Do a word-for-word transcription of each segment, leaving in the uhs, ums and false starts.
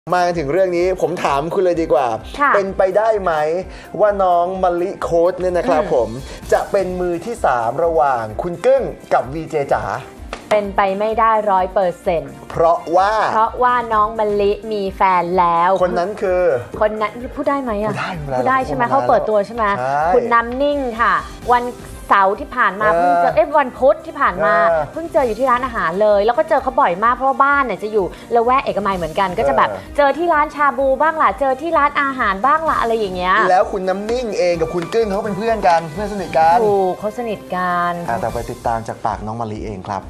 มาถึงเรื่องนี้ผมถามคุณเลยดีกว่าเป็นไปได้ไหมว่าน้องมะลิโค้ดเนี่ยนะครับผมจะเป็นมือที่สามระหว่างคุณกึ้งกับวีเจจ๋าเป็นไปไม่ได้ร้อยเปอร์เซ็นต์เพราะว่าเพราะว่าน้องมะลิมีแฟนแล้วคนนั้นคือคนนั้นพูดได้ไหมอ่ะพูดได้ใช่ไหมเขาเปิดตัวใช่ไหมคุณน้ำนิ่งค่ะวันเสาร์ที่ผ่านมาเพิ่งเจอเอ้วันพุธที่ผ่านมาเพิ่งเจออยู่ที่ร้านอาหารเลยแล้วก็เจอเขาบ่อยมากเพราะว่าบ้านเนี่ยจะอยู่ละแวกเอกมัยเหมือนกันก็จะแบบเจอที่ร้านชาบูบ้างล่ะเจอที่ร้านอาหารบ้างล่ะอะไรอย่างเงี้ยแล้วคุณน้ำนิ่งเองกับคุณกึ้งเขาเป็นเพื่อนกันเพื่อนสนิทกันถูกเขาสนิทกันแต่ไปติดตามจากปากน้องมะลิเองครับ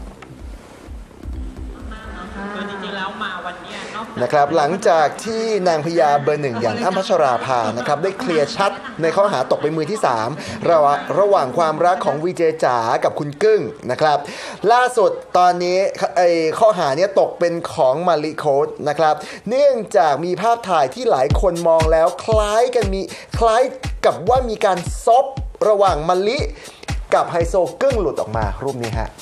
คือจริงๆแล้วมาวันนี้นะครับหลังจากที่นางพญาเบอร์หนึ่งอย่างอ้ำพัชราภานะครับได้เคลียร์ชัดในข้อหาตกเป็นมือที่สามระหว่างระหว่างความรักของวีเจจ๋ากับคุณกึ้งนะครับล่าสุดตอนนี้ไอ้ข้อหานี้ตกเป็นของมาริโค้ดนะครับเนื่องจากมีภาพถ่ายที่หลายคนมองแล้วคล้ายกันมีคล้ายกับว่ามีการซบระหว่างมะลิกับไฮโซกึ้งหลุดออกมารูปนี้ฮะ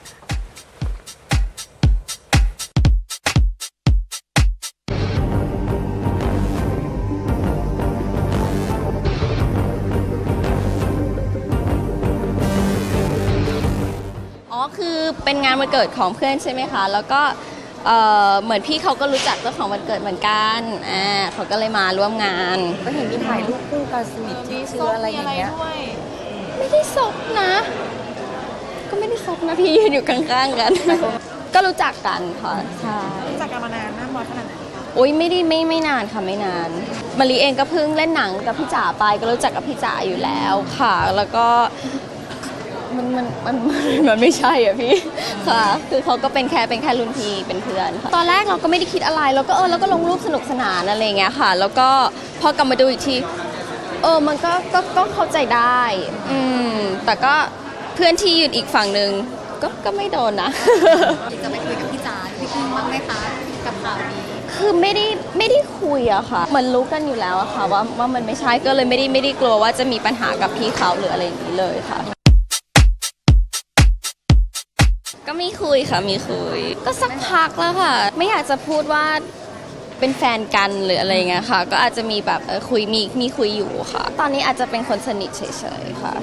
คือเป็นงานวันเกิดของเพื่อนใช่ไหมคะแล้วก็เอ่อเหมือนพี่เขาก็รู้จักเจ้าของวันเกิดเหมือนกันอ่าเขาก็เลยมาร่วมงานก็เห็นมีถ่ายรูปคู่กันสนิทที่ซื้ออะไรอย่างเงี้ยไม่ได้ซบนะก็ไม่ได้ซบนะพี่ยืนอยู่ข้างๆกันก็รู้จักกันค่ะใช่รู้จักกันมานานมากน้อยขนาดไหนโอ๊ยไม่ได้ไม่ไม่นานค่ะไม่นานมะลิเองก็เพิ่งเล่นหนังกับพี่จ๋าไปก็รู้จักกับพี่จ๋าอยู่แล้วค่ะแล้วก็มันมันมันมันไม่ใช่อ่ะพี่ค่ะคือเขาก็เป็นแค่เป็นแค่รุ่นพี่เป็นเพื่อนตอนแรกเราก็ไม่ได้คิดอะไรเราก็เออแล้วก็ลงรูปสนุกสนานอะไรเงี้ยค่ะแล้วก็พอกลับมาดูอีกทีเออมันก็ก็ก็เข้าใจได้อืมแต่ก็เพื่อนที่ยืนอีกฝั่งหนึ่งก็ก็ไม่โดนนะจะไปคุยกับพี่จ๋าพี่พึ่งบ้างไหมคะกับข่าวนี้คือไม่ได้ไม่ได้คุยอะค่ะมันรู้กันอยู่แล้วอะค่ะว่าว่ามันไม่ใช่ก็เลยไม่ได้ไม่ได้กลัวว่าจะมีปัญหากับพี่เขาหรืออะไรอย่างนี้เลยค่ะก็มีคุยค่ะมีคุยก็สักพักแล้วค่ะไม่อยากจะพูดว่าเป็นแฟนกันหรืออะไรเงี้ยค่ะก็อาจจะมีแบบคุยมีมีคุยอยู่ค่ะตอนนี้อาจจะเป็นคนสนิทเฉยๆค่ะ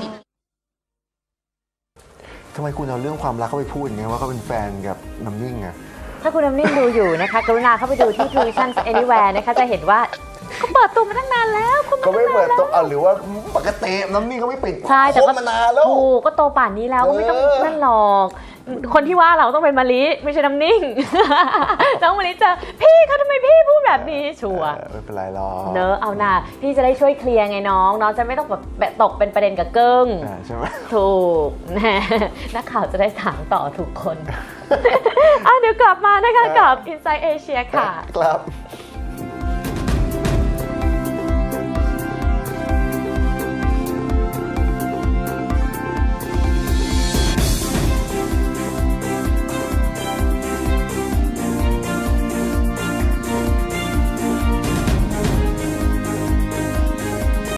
ทำไมคุณเอาเรื่องความรักเข้าไปพูดอย่างเงี้ยว่าเขาเป็นแฟนกับน้ำนิ่งอะถ้าคุณน้ำนิ่งดูอยู่นะคะกรุณาเข้าไปดูที่ Tuition Anywhere นะคะจะเห็นว่าเขาเปิดตัวมาตั้งนานแล้วเขาไม่เปิดตัวหรือว่าปกติน้ำนิ่งเขาไม่ปิดใช่แต่ก็มานานแล้วถูกก็โตป่านนี้แล้วก็ไม่ต้องนั่นหรอกคนที่ว่าเราต้องเป็นมะลิไม่ใช่น้ำนิ่งน้องมะลิเจอพี่เขาทำไมพี่พูดแบบนี้ชัวร์ไม่เป็นไรหรอกเนอะเอาหน่าพี่จะได้ช่วยเคลียร์ไงน้องน้องจะไม่ต้องแบบตกเป็นประเด็นกับเกิ้งใช่ไหมถูกนักข่าวจะได้ถามต่อถูกคนอ่ะเดี๋ยวกลับมานะคะกับ Inside Asia ค่ะครับ